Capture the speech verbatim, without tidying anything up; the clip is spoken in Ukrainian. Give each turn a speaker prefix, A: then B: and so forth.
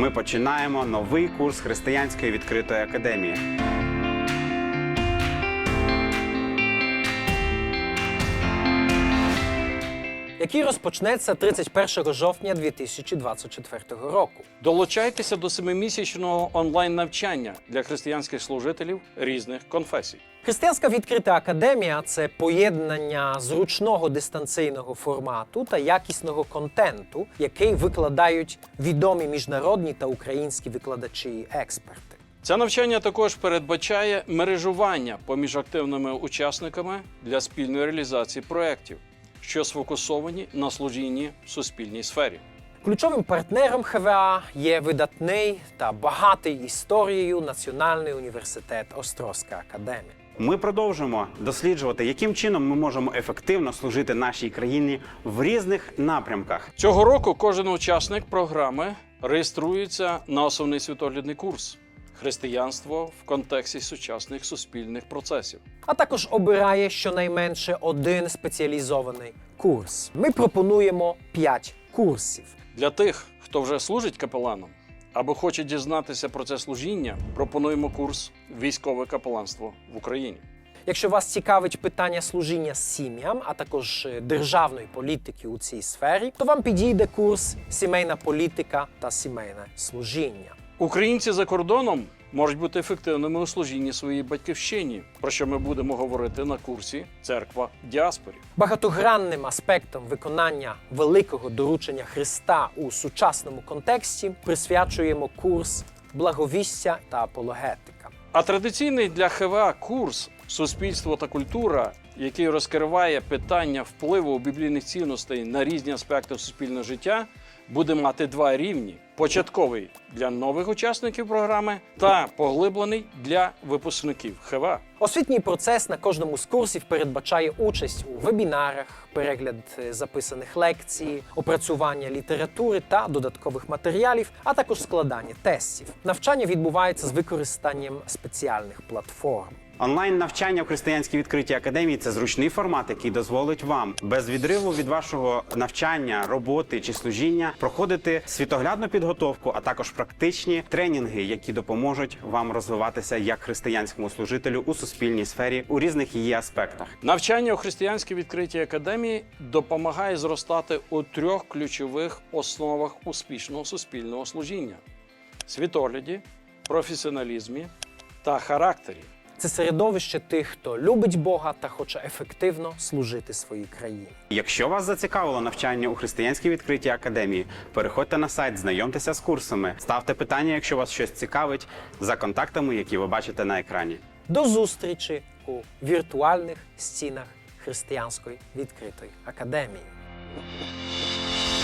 A: Ми починаємо новий курс Християнської відкритої академії.
B: Який розпочнеться тридцять першого жовтня дві тисячі двадцять четвертого року.
C: Долучайтеся до семимісячного онлайн-навчання для християнських служителів різних конфесій.
B: Християнська відкрита академія – це поєднання зручного дистанційного формату та якісного контенту, який викладають відомі міжнародні та українські викладачі і експерти.
C: Це навчання також передбачає мережування поміж активними учасниками для спільної реалізації проєктів, що сфокусовані на служінні в суспільній сфері.
B: Ключовим партнером ХВА є видатний та багатий історією Національний університет Острозька академія.
A: Ми продовжимо досліджувати, яким чином ми можемо ефективно служити нашій країні в різних напрямках.
C: Цього року кожен учасник програми реєструється на основний світоглядний курс «Християнство в контексті сучасних суспільних процесів».
B: А також обирає щонайменше один спеціалізований курс. Ми пропонуємо п'ять курсів.
C: Для тих, хто вже служить капеланом або хоче дізнатися про це служіння, пропонуємо курс «Військове капеланство в Україні».
B: Якщо вас цікавить питання служіння сім'ям, а також державної політики у цій сфері, то вам підійде курс «Сімейна політика та сімейне служіння».
C: Українці за кордоном можуть бути ефективними у служінні своїй батьківщині, про що ми будемо говорити на курсі «Церква в діаспорі».
B: Багатогранним аспектом виконання великого доручення Христа у сучасному контексті присвячуємо курс «Благовістя та апологетика».
C: А традиційний для ХВА курс «Суспільство та культура», який розкриває питання впливу біблійних цінностей на різні аспекти суспільного життя, буде мати два рівні – початковий для нових учасників програми та поглиблений для випускників ХВА.
B: Освітній процес на кожному з курсів передбачає участь у вебінарах, перегляд записаних лекцій, опрацювання літератури та додаткових матеріалів, а також складання тестів. Навчання відбувається з використанням спеціальних платформ.
A: Онлайн-навчання в Християнській відкритій академії – це зручний формат, який дозволить вам без відриву від вашого навчання, роботи чи служіння проходити світоглядну підготовку, а також практичні тренінги, які допоможуть вам розвиватися як християнському служителю у суспільній сфері у різних її аспектах.
C: Навчання у Християнській відкритій академії допомагає зростати у трьох ключових основах успішного суспільного служіння – світогляді, професіоналізмі та характері.
B: Це середовище тих, хто любить Бога та хоче ефективно служити своїй країні.
A: Якщо вас зацікавило навчання у Християнській відкритій академії, переходьте на сайт, знайомтеся з курсами, ставте питання, якщо вас щось цікавить, за контактами, які ви бачите на екрані.
B: До зустрічі у віртуальних стінах Християнської відкритої академії.